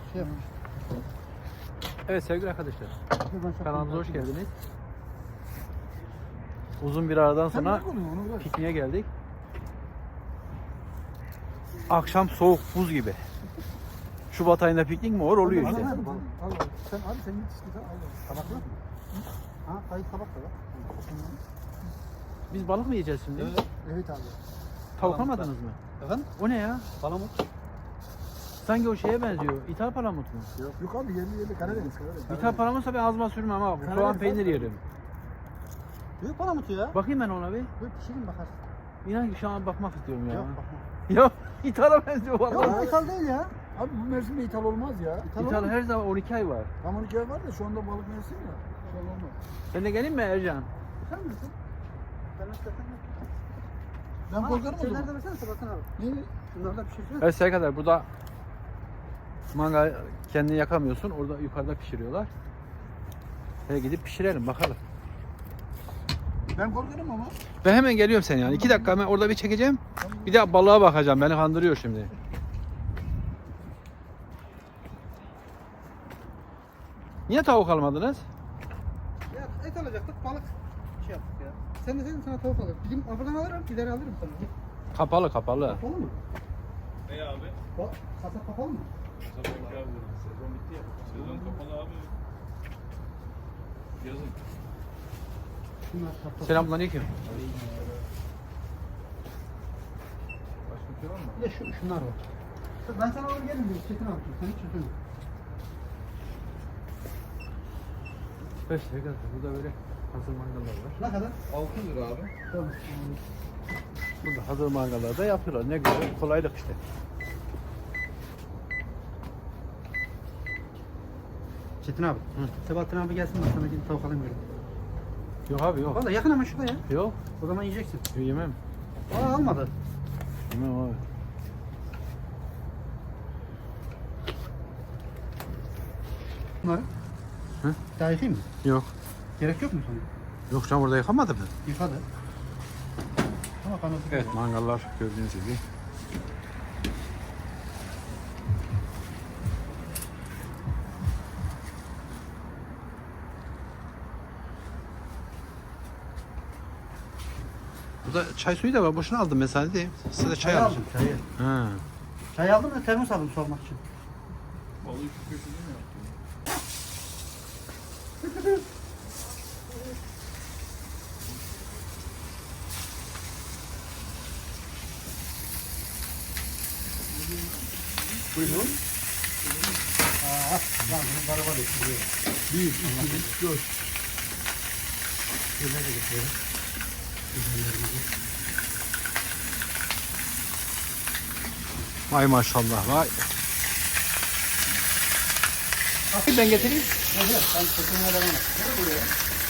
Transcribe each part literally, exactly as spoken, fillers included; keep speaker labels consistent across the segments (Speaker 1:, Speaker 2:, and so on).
Speaker 1: Şey
Speaker 2: Evet sevgili arkadaşlar, kanalımıza hoş geldiniz. Uzun bir aradan sonra pikniğe geldik. Akşam soğuk buz gibi. Şubat ayında piknik mi olur? Oluyor işte.
Speaker 1: Sen abi sen git işte. Tabakla mı? Ha, kayıt tabak da var.
Speaker 2: Biz balık mı yiyeceğiz şimdi?
Speaker 1: Evet. Evet abi.
Speaker 2: Tavuklanmadınız mı?
Speaker 1: Efendim?
Speaker 2: O ne ya?
Speaker 1: Palamut.
Speaker 2: Sanki o şeye benziyor. İthal palamut mu?
Speaker 1: Yok. Yok abi yerli yerli Karadeniz. Karadeniz.
Speaker 2: İthal palamutsa ben ağzıma sürmem ama bu soğan
Speaker 1: Karadeniz
Speaker 2: peynir
Speaker 1: abi.
Speaker 2: yerim.
Speaker 1: Büyük palamutu ya.
Speaker 2: Bakayım ben ona bir.
Speaker 1: Böyle pişirin bakarsın.
Speaker 2: İnan ki şu an bakmak istiyorum ya.
Speaker 1: Yok bakma.
Speaker 2: Ya ithala benziyor
Speaker 1: Yok
Speaker 2: vallahi.
Speaker 1: bu ithal değil ya. Abi bu mevsimde ithal olmaz ya. İthal,
Speaker 2: İthal
Speaker 1: olmaz.
Speaker 2: her zaman on iki ay var.
Speaker 1: Tam on iki ay var da şu anda balık mevsimi ya. İthal olmaz.
Speaker 2: Sen de gelin mi Ercan?
Speaker 1: Sen misin? Ben istersen ben korkarım o zaman. Şeyler de versene Sebastian abi. Ne? Şunlarda pişirsene.
Speaker 2: Evet sevgili arkadaşlar, burada mangal kendini yakamıyorsun. Orada yukarıda pişiriyorlar. Ve gidip pişirelim bakalım.
Speaker 1: Ben korkarım ama.
Speaker 2: Ben hemen geliyorum sen yani. iki dakika hemen orada bir çekeceğim. Bir de balığa bakacağım. Beni kandırıyor şimdi. Niye tavuk almadınız?
Speaker 1: Ya et alacaktık, balık şey yaptık ya. Sen de dedin sana tavuk alırım. Gideyim arabadan alırım, gider alırım sana.
Speaker 2: Kapalı kapalı.
Speaker 1: Kapalı mı?
Speaker 3: Ne abi?
Speaker 1: Bak, kasap kapalı mı?
Speaker 3: Sabah abi. Sezon bitti ya. Sezon kapalı abi. Yazın.
Speaker 1: Şunlar kapalı.
Speaker 2: Selamünaleyküm.
Speaker 3: Başka bir şey var mı?
Speaker 1: Bir de şu, şunlar var. Ben sana alır gelirim diyor, Çetin abi. Sen hiç üzülme.
Speaker 2: Evet sevgili arkadaşlar, burada böyle hazır mangallar var.
Speaker 1: Ne kadar?
Speaker 3: altı lira abi.
Speaker 1: Tamam.
Speaker 2: Burada hazır mangallar da yapıyorlar. Ne güzel, kolaylık işte.
Speaker 1: Çetin abi. Hı. Sebahattin abi gelsin ben sana gidip tavuk alayım diyorum.
Speaker 2: Yok abi yok.
Speaker 1: Valla yakın ama şurada ya.
Speaker 2: Yok.
Speaker 1: O zaman yiyeceksin.
Speaker 2: Yemem.
Speaker 1: Aa almadı.
Speaker 2: Yemem abi.
Speaker 1: Bunları.
Speaker 2: Hı?
Speaker 1: Daha yıkayayım mı?
Speaker 2: Yok.
Speaker 1: Gerek yok mu sana?
Speaker 2: Yok canım, burada yıkamadı mı?
Speaker 1: Yıkadı. Ama kanadı.
Speaker 2: Evet, mangallar gördüğünüz gibi. Burada çay suyu da var. Boşuna aldım mesela değil. Size de çay
Speaker 1: Çay
Speaker 2: alacağım.
Speaker 1: aldım çayı.
Speaker 2: Ha.
Speaker 1: Çay aldım da termos aldım sormak için.
Speaker 3: Balığı şu köşede mi yaptın?
Speaker 1: Buyurun. Aa, lan bunu araba getiriyor.
Speaker 2: Bir, iki, üç, dört.
Speaker 1: Şöyle de getiriyorum.
Speaker 2: Vay maşallah vay. Ben getireyim.
Speaker 1: Evet, ben çekimine devam et. Ne buraya?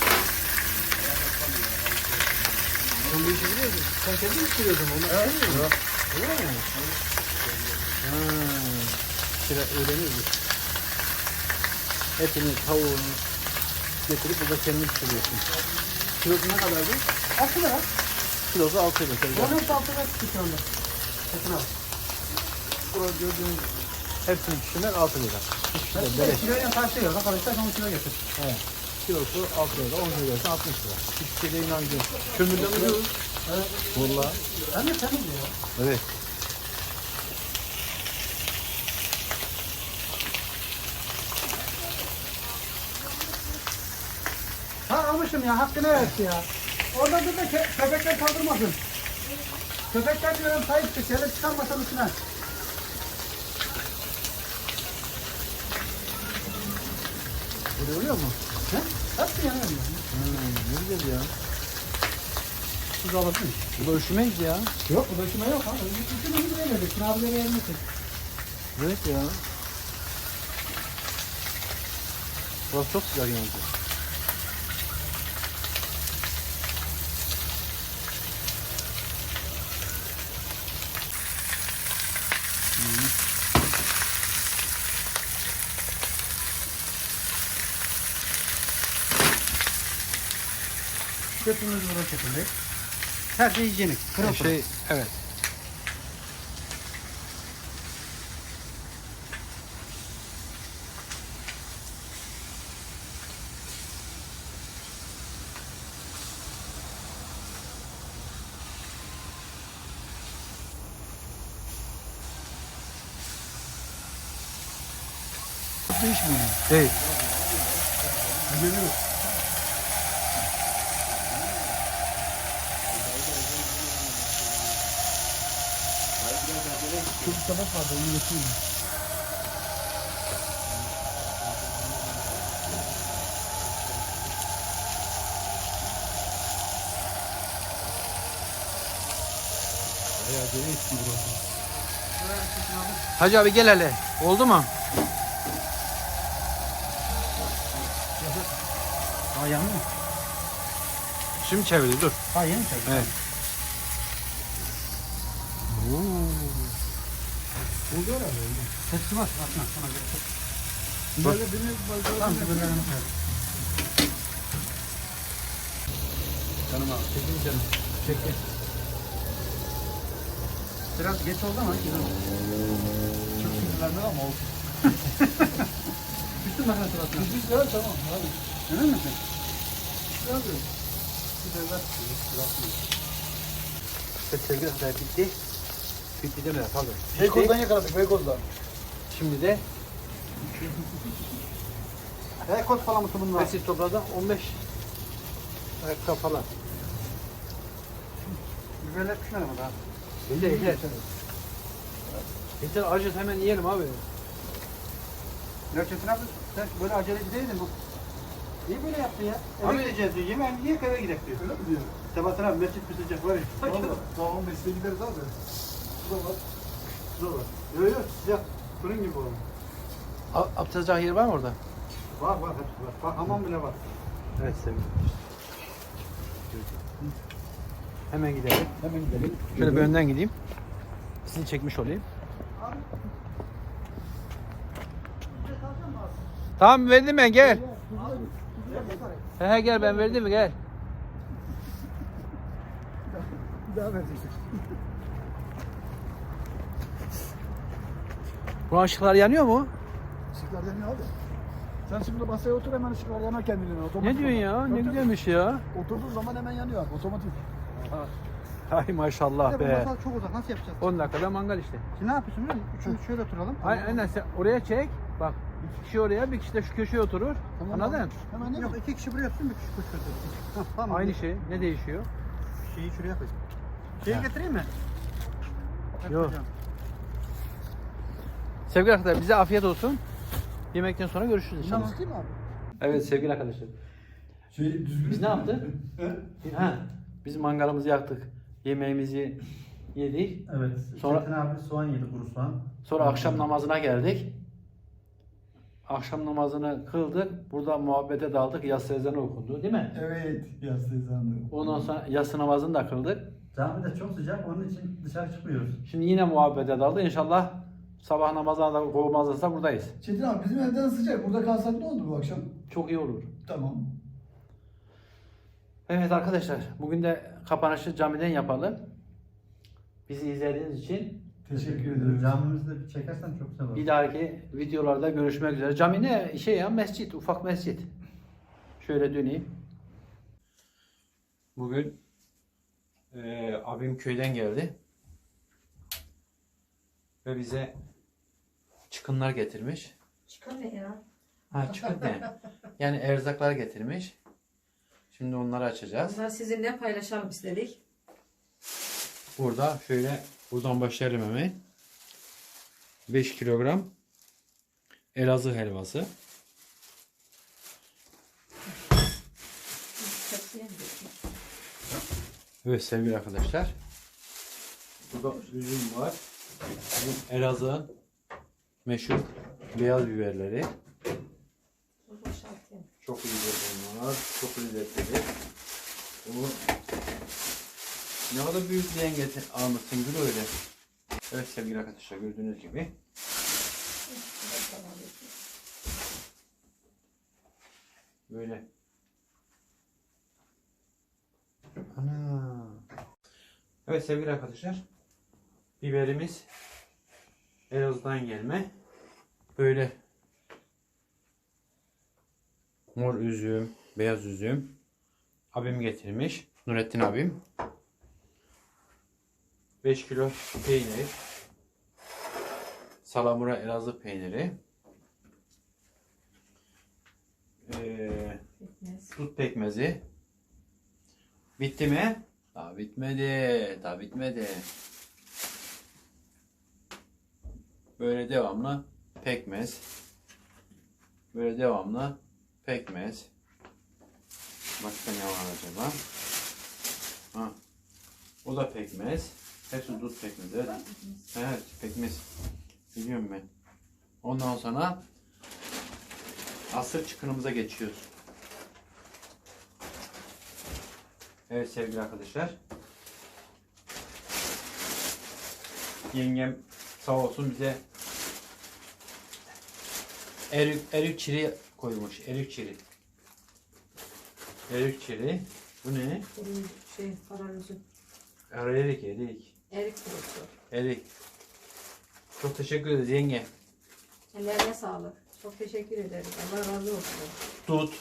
Speaker 2: Sen bu işi biliyor musun? Sen kendin mi sürüyorsun onu? Evet. Öyle mi? Ha. Şöyle öğreniyoruz. Etini, tavuğunu getirip burada kendin pişiriyorsun. Kilosu ne kadardı?
Speaker 1: Altı lira.
Speaker 2: Kilosu altı lira.
Speaker 1: Onun hepsi altı lira çıktı şu anda. Çetin abi.
Speaker 2: Burada gördüğünüz hepsini pişirmek altı lira. İşte
Speaker 1: Evet,
Speaker 2: beleş.
Speaker 1: kiloyla karşılıyor. Arkadaşlar on kilo getir.
Speaker 2: Evet. Kilosu altı lira, on lira, altmış lira. Hiçbir şeyle inancım. Kömürden ucuz.
Speaker 1: Evet.
Speaker 2: Vallahi.
Speaker 1: Ben de temiz ya.
Speaker 2: Evet.
Speaker 1: Ha almışım ya. Hakkını versin ya. Orada dur da kö köpekler saldırmasın. Köpekler diyorum sahip çık. Şöyle çıkarmasın üstüne.
Speaker 2: Böyle oluyor mu?
Speaker 1: He? Hepsi yanıyor mu?
Speaker 2: Hmm, ne güzel ya.
Speaker 1: Siz alırsın.
Speaker 2: Bu da üşümeyiz ya.
Speaker 1: Yok bu döküme yok ha. Döküme mi böyle dedik? Abileri yermesin.
Speaker 2: Evet ya. Burası çok güzel yani.
Speaker 1: Götümüz burada çekildi. Her şey hijyenik. Pırıl
Speaker 2: Her
Speaker 1: pırıl.
Speaker 2: şey, evet.
Speaker 1: değişmiyor.
Speaker 2: Değil.
Speaker 1: Güveniyor. Çok bir tabak vardı, onu getireyim.
Speaker 3: Bayağı gene eski burası.
Speaker 2: Hacı abi gel hele. Oldu mu?
Speaker 1: Ha yanı mı?
Speaker 2: Şimdi çevir dur.
Speaker 1: Ha yeni mi çekti?
Speaker 2: Evet.
Speaker 1: Oldu herhalde oldu. Tepsi var. Bakma sana göre. Böyle beni tamam böyle yanım.
Speaker 2: Canım abi. Çekin canım. Çekin.
Speaker 1: Biraz geç oldu ama güzel oldu. Çok sinirlendim ama oldu. Bütün makine suratına. Biz de tamam abi. Emin misin? Abi. Bir de ver.
Speaker 2: İşte sevgili kadar bitti. Bitti deme pardon.
Speaker 1: Beykoz'dan yakaladık Beykoz'dan.
Speaker 2: Şimdi de
Speaker 1: Beykoz falan mı bunlar?
Speaker 2: Mesut topradan on beş ayakkabı falan.
Speaker 1: Biberler pişmedi mi daha?
Speaker 2: Yeter yeter. Yeter acıt hemen yiyelim abi.
Speaker 1: Gerçekten abi sen böyle aceleci değildin bu. Niye böyle yaptın ya? Eve
Speaker 2: Abi-
Speaker 1: gideceğiz diyor. Yemeğini niye eve gidelim diyor. Öyle mi diyor? Sebahattin abi mescit bir sıcak var ya.
Speaker 3: Valla daha on beşte gideriz abi.
Speaker 1: Bu da var. Bu da var. Yok yok sıcak. Fırın gibi olmuş.
Speaker 2: Abdest yer var mı orada?
Speaker 1: Var var hepsi var. Bak hamam bile var.
Speaker 2: Evet sevgili. Hemen gidelim.
Speaker 1: Hemen gidelim.
Speaker 2: Şöyle bir önden gideyim. Sizi çekmiş olayım. Tamam verdim ben gel. He he gel ben verdim mi gel.
Speaker 1: Bir daha vereceksin.
Speaker 2: Bu ışıklar yanıyor mu?
Speaker 1: Işıklar yanıyor abi. Sen şimdi masaya otur hemen ışıklar yanar kendiliğine. Otomatik
Speaker 2: Ne diyorsun ya?
Speaker 1: olarak.
Speaker 2: Ne
Speaker 1: Tabii,
Speaker 2: güzelmiş ya.
Speaker 1: tabii. Oturduğun zaman hemen yanıyor abi. Otomatik.
Speaker 2: Ay maşallah
Speaker 1: Bir de bu
Speaker 2: be.
Speaker 1: masa çok uzak. Nasıl yapacağız?
Speaker 2: on dakikada mangal işte.
Speaker 1: Şimdi ne yapıyorsun biliyor musun? Üçümüz şöyle oturalım.
Speaker 2: Aynen, aynen sen oraya çek. Bak bir kişi oraya bir kişi de şu köşeye oturur.
Speaker 1: Tamam,
Speaker 2: Anladın?
Speaker 1: abi. Hemen değil mi? Yok iki kişi buraya otursun bir kişi koş otursun. Tamam.
Speaker 2: Aynı şey. Ne değişiyor?
Speaker 1: Şeyi şuraya koy. Şeyi
Speaker 2: Ha.
Speaker 1: getireyim mi?
Speaker 2: Yok.
Speaker 1: Hocam.
Speaker 2: Sevgili arkadaşlar bize afiyet olsun. Yemekten sonra görüşürüz inşallah.
Speaker 1: Tamam değil mi abi?
Speaker 2: Evet sevgili arkadaşlar.
Speaker 3: Şey düzgün.
Speaker 2: Biz ne yaptık? ha, biz mangalımızı yaktık. Yemeğimizi yedik.
Speaker 4: Evet.
Speaker 2: Sonra-
Speaker 4: Çetin abi soğan yedi, kuru soğan.
Speaker 2: Sonra akşam namazına geldik. Akşam namazını kıldık. Burada muhabbete daldık. Yatsı ezanı okundu değil mi?
Speaker 3: Evet. Yaslı ezandı.
Speaker 2: Ondan sonra yatsı namazını da kıldık.
Speaker 4: Cami de çok sıcak, onun için dışarı çıkmıyoruz.
Speaker 2: Şimdi yine muhabbete daldık. İnşallah sabah namazına da kovmazsa buradayız.
Speaker 3: Çetin abi bizim evden sıcak. Burada kalsak ne oldu bu akşam?
Speaker 2: Çok iyi olur.
Speaker 3: Tamam.
Speaker 2: Evet arkadaşlar, bugün de kapanışı camiden yapalım. Bizi izlediğiniz için
Speaker 3: Teşekkür ederim.
Speaker 4: Camimizi de bir çekersen çok güzel olur.
Speaker 2: bir dahaki videolarda görüşmek üzere. Cami ne? Şey ya mescit, ufak mescit. Şöyle döneyim. Bugün e, abim köyden geldi. Ve bize çıkınlar getirmiş.
Speaker 5: Çıkın ne ya?
Speaker 2: Ha çıkın ne? Yani erzaklar getirmiş. Şimdi onları açacağız.
Speaker 5: Bunları sizinle paylaşalım istedik.
Speaker 2: Burada şöyle buradan başlayalım hemen. beş kilogram Elazığ helvası. Evet sevgili arkadaşlar. Burada üzüm var. Bu Elazığ'ın meşhur beyaz biberleri. Çok güzel bunlar. Çok lezzetli. Bunu ne kadar büyük bir getir almışsın Gül öyle. Evet sevgili arkadaşlar gördüğünüz gibi. Böyle. Ana. Evet sevgili arkadaşlar. Biberimiz Elazığ'dan gelme. Böyle mor üzüm, beyaz üzüm. Abim getirmiş. Nurettin abim. beş kilo peynir. Salamura Elazığ peyniri. Ee,
Speaker 5: Pekmez.
Speaker 2: dut pekmezi. Bitti mi? Daha bitmedi. Daha bitmedi. Böyle devamlı pekmez. Böyle devamlı pekmez. Başka ne var acaba? Ha. O da pekmez. Hepsi dut pekmezi. Evet. Evet, pekmez. Biliyorum ben. Ondan sonra asır çıkınımıza geçiyoruz. Evet sevgili arkadaşlar. Yengem sağ olsun bize erik, erik çiri koymuş. Erik çiri. Erik çiri. Bu ne?
Speaker 5: Benim şey kararıcı.
Speaker 2: Erik, erik.
Speaker 5: Erik kurusu.
Speaker 2: Erik. Çok teşekkür ederiz yenge.
Speaker 5: Ellerine sağlık. Çok teşekkür ederiz. Allah razı olsun.
Speaker 2: Dut.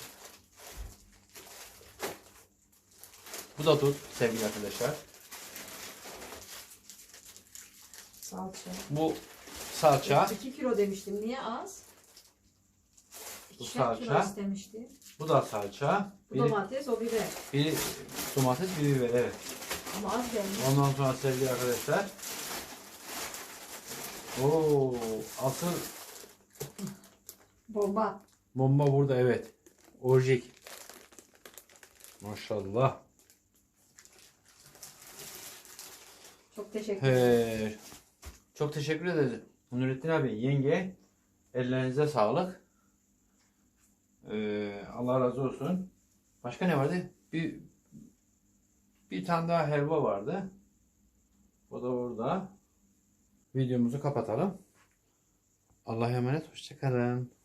Speaker 2: Bu da dut sevgili arkadaşlar.
Speaker 5: Salça.
Speaker 2: Bu salça.
Speaker 5: iki kilo demiştim. Niye az?
Speaker 2: Bu
Speaker 5: İkişer kilo
Speaker 2: salça.
Speaker 5: istemiştim.
Speaker 2: Bu da salça.
Speaker 5: Bu
Speaker 2: Biri,
Speaker 5: domates, o biber.
Speaker 2: biri domates, biri biber. Evet.
Speaker 5: Ama az gelmiş.
Speaker 2: Ondan sonra sevgili arkadaşlar. Oo, asıl
Speaker 5: Bomba.
Speaker 2: bomba burada evet. Orjik. Maşallah.
Speaker 5: Çok teşekkür ederim.
Speaker 2: He. Çok teşekkür ederiz. Nurettin abi, yenge, ellerinize sağlık. Ee, Allah razı olsun. Başka ne vardı? Bir bir tane daha helva vardı. O da burada. Videomuzu kapatalım. Allah'a emanet. Hoşça kalın.